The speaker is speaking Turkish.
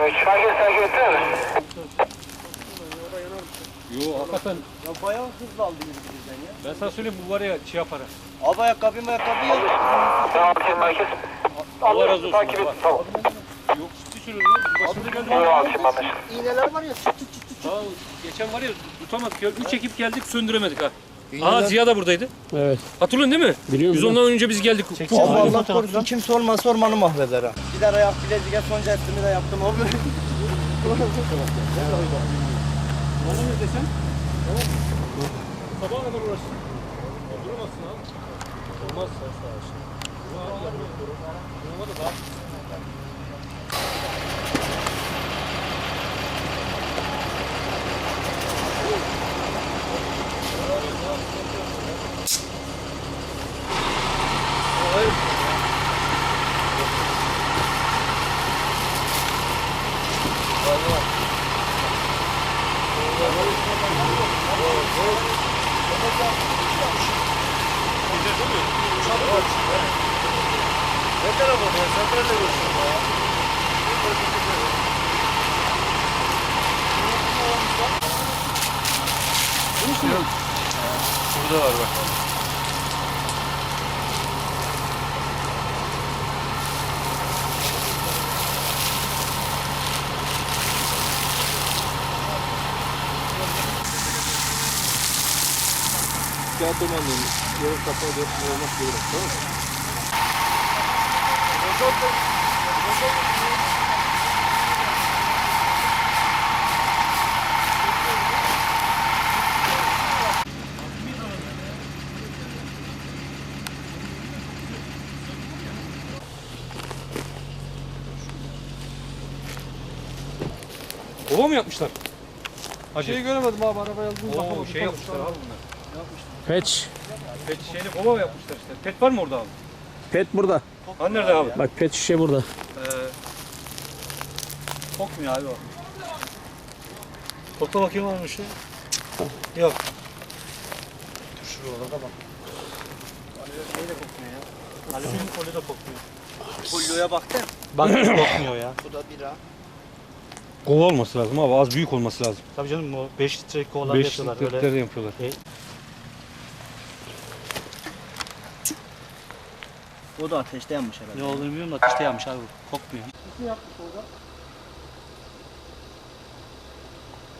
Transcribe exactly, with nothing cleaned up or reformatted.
üç. Herkes takip etti mi? Yo hakikaten. Ya bayağı hızlı aldı bizden ya. Ben sana söyleyeyim bu var ya şey yapar. Abi ayakkabı ayakkabı yok. Tamam şimdi merkez. Allah razı olsun. Takip et. Tamam. Yok ciddi söylüyorum ya. Başımıza geldi. Tamam abi şimdi anlaşıldı. İğneler var ya. Çıt çıt çıt çıt. Daha geçen var ya tutamadık ya. Üç ekip geldik söndüremedik ha. Aa Ziya da buradaydı. Evet. Hatırlıyorsun değil mi? Biliyorum. Biz ondan önce biz geldik. Abi Allah korusun kimse olmasa ormanı mahveder ha. Gider ayak bileziğe son cestimi de yaptım abi. Bana ne desen? Sabaha kadar uğraşsın. Duramazsın abi. Olmaz. Durma da daha. Ne tarafa ya? Sen nerede görüyorsun ya? Burada var bak. Kağıt domanlığını yarım kapağı dört olmak zorunda, tamam mı? Kova mı yapmışlar? Hacı. Şeyi göremedim abi arabaya aldığımız Oo şey yapmışlar abi bunlar. Peç. Pet şeyini kova yapmışlar işte. Pet var mı orada abi? Pet burada. Ha nerede abi? Bak pet şişe burada. Ee, kokmuyor abi o. Kokla bakayım varmış ya. Yok. Dur şurada da bak. Şey de kokmuyor ya. Alüminyum folyo da kokmuyor. Folyoya baktın. Bak kokmuyor ya. Bu da bira. Kova olması lazım abi, az büyük olması lazım. Tabii canım o beş litre kovalar beş yapıyorlar litreleri öyle. yapıyorlar. O da ateşte yanmış herhalde. Ne olduğunu bilmiyorum da ateşte yanmış abi kokmuyor. Ne yaptık orada?